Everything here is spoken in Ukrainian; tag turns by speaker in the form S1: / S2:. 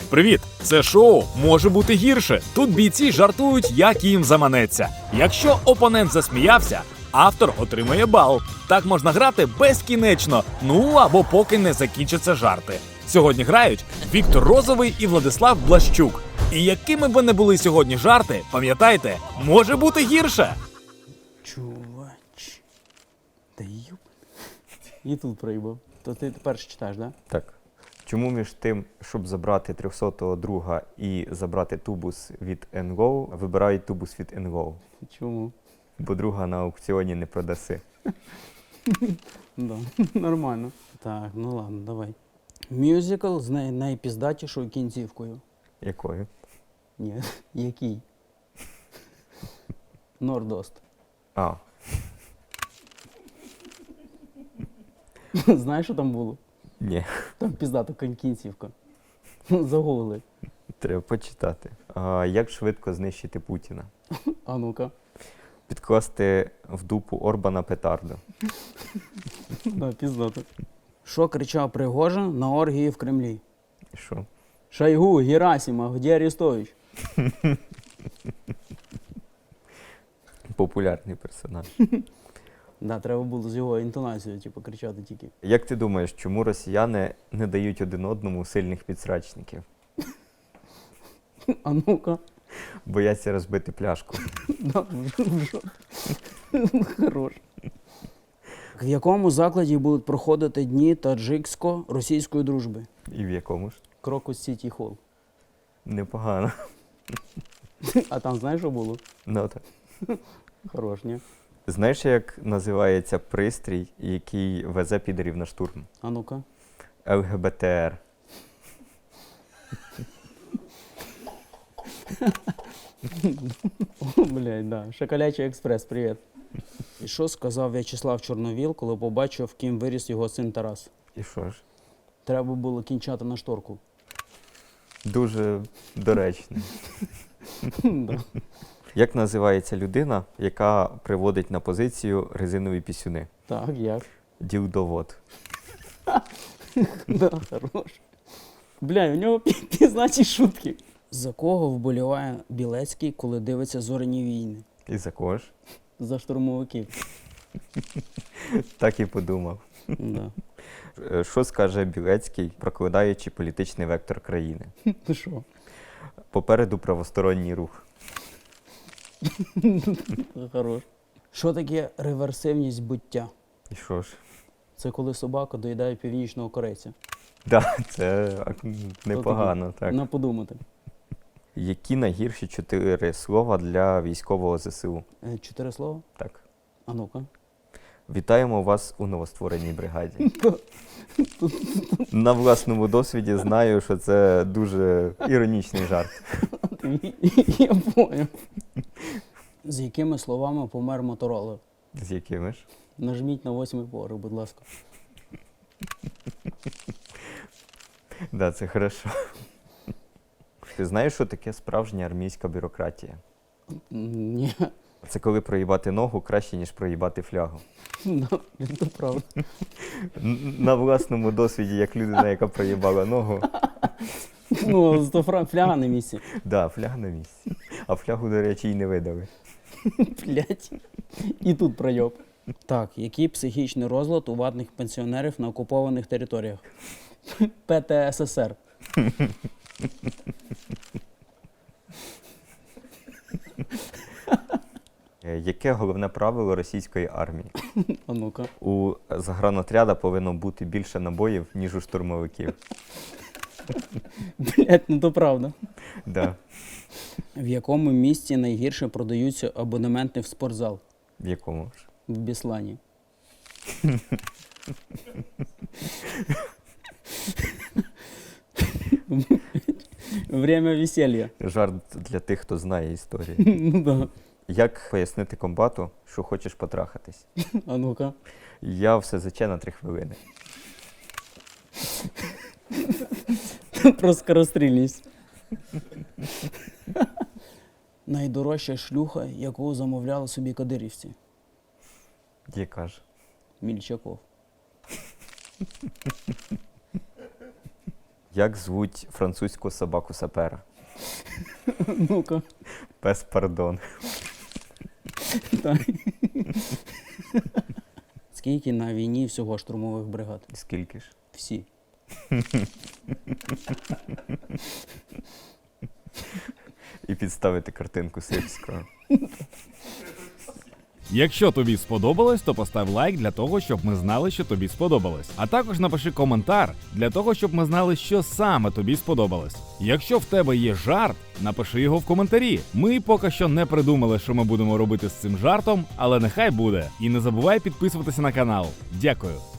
S1: Привіт! Це шоу може бути гірше. Тут бійці жартують, як їм заманеться. Якщо опонент засміявся, автор отримує бал. Так можна грати безкінечно, ну або поки не закінчаться жарти. Сьогодні грають Віктор Розовий і Владислав Блащук. І якими б не були сьогодні жарти, пам'ятайте, може бути гірше.
S2: Чувач. Та юб. І тут проїбав. То ти перше читаєш, да?
S3: Так. Чому між тим, щоб забрати 300-го друга і забрати тубус від NGO, вибирають тубус від NGO?
S2: Чому?
S3: Бо друга на аукціоні не продаси.
S2: Да, нормально. Так, ну ладно, давай. Мюзикл з найпіздатішою кінцівкою.
S3: Якою?
S2: Ні, який? Нордост.
S3: А,
S2: Знаєш, що там було?
S3: ні.
S2: Там піздата кінцівка. Загугли.
S3: Треба почитати. Як швидко знищити Путіна?
S2: А ну-ка.
S3: Підкласти в дупу Орбана петарду.
S2: Да, піздата. Що кричав Пригожин на оргії в Кремлі?
S3: І що?
S2: Шойгу, Герасимов, де Арестович?
S3: Популярний персонаж.
S2: Да, треба було з його інтонацією, типу, кричати тільки.
S3: Як ти думаєш, чому росіяни не дають один одному сильних підсрачників?
S2: А ну-ка.
S3: Бояться розбити пляшку.
S2: Да, хорош. В якому закладі будуть проходити дні таджиксько-російської дружби?
S3: І в якому ж?
S2: Крокус Сіті Холл.
S3: Непогано.
S2: А там знаєш, що було?
S3: Ну так.
S2: Хорош, ні?
S3: Знаєш, як називається пристрій, який везе підерів на штурм?
S2: А ну-ка.
S3: ЛГБТР.
S2: О, блядь, да. Шоколячий експрес, привіт. І що сказав В'ячеслав Чорновіл, коли побачив, ким виріс його син Тарас?
S3: І що ж?
S2: Треба було кінчати на шторку.
S3: Дуже доречно.
S2: Да.
S3: Як називається людина, яка приводить на позицію резинові пісюни?
S2: Так, як?
S3: Ділдовод.
S2: Да, хорош. Бля, у нього пізнаті шутки. За кого вболіває Білецький, коли дивиться «Зоряні війни»?
S3: І за кого ж?
S2: За штурмовиків.
S3: Так і подумав.
S2: Да.
S3: Що скаже Білецький, прокладаючи політичний вектор країни?
S2: Ну що?
S3: Попереду правосторонній рух.
S2: Хорош. Що таке реверсивність буття?
S3: І що ж?
S2: Це коли собака доїдає північного корейця.
S3: Так, це непогано, так.
S2: На подумати.
S3: Які найгірші 4 слова для військового ЗСУ?
S2: 4 слова?
S3: Так.
S2: А ну-ка.
S3: Вітаємо вас у новоствореній бригаді. На власному досвіді знаю, що це дуже іронічний жарт.
S2: Я поняв. З якими словами помер Моторола?
S3: З якими ж?
S2: Нажміть на 8-й поверх, будь ласка.
S3: Да, це хорошо. Ти знаєш, що таке справжня армійська бюрократія?
S2: Ні.
S3: Це коли проїбати ногу краще, ніж проїбати флягу.
S2: Да, це правда.
S3: На власному досвіді, як людина, яка проїбала ногу.
S2: Ну, зато фляга на місці.
S3: Да, фляга на місці. А флягу, до речі, й не видали.
S2: Блять. І тут пройоб. Так, який психічний розлад у ватних пенсіонерів на окупованих територіях? ПТССР.
S3: Яке головне правило російської армії?
S2: А ну-ка.
S3: У загранотряда повинно бути більше набоїв, ніж у штурмовиків.
S2: Блять, ну то правда.
S3: Да.
S2: В якому місці найгірше продаються абонементи в спортзал?
S3: В якому ж?
S2: В Біслані. Время веселья.
S3: Жарт для тих, хто знає історію.
S2: Ну да.
S3: Як пояснити комбату, що хочеш потрахатись?
S2: А ну-ка.
S3: Я все СЗЧ на 3 хвилини.
S2: Про скорострільність. Найдорожча шлюха, яку замовляли собі кадирівці.
S3: Яка ж?
S2: Мільчаков.
S3: Як звуть французьку собаку сапера?
S2: Ну-ка.
S3: Пес пардон.
S2: Так. Скільки на війні всього штурмових бригад?
S3: Скільки ж?
S2: Всі.
S3: І підставити картинку Сирського.
S1: Якщо тобі сподобалось, то постав лайк для того, щоб ми знали, що тобі сподобалось. А також напиши коментар для того, щоб ми знали, що саме тобі сподобалось. Якщо в тебе є жарт, напиши його в коментарі. Ми поки що не придумали, що ми будемо робити з цим жартом, але нехай буде. І не забувай підписуватися на канал. Дякую.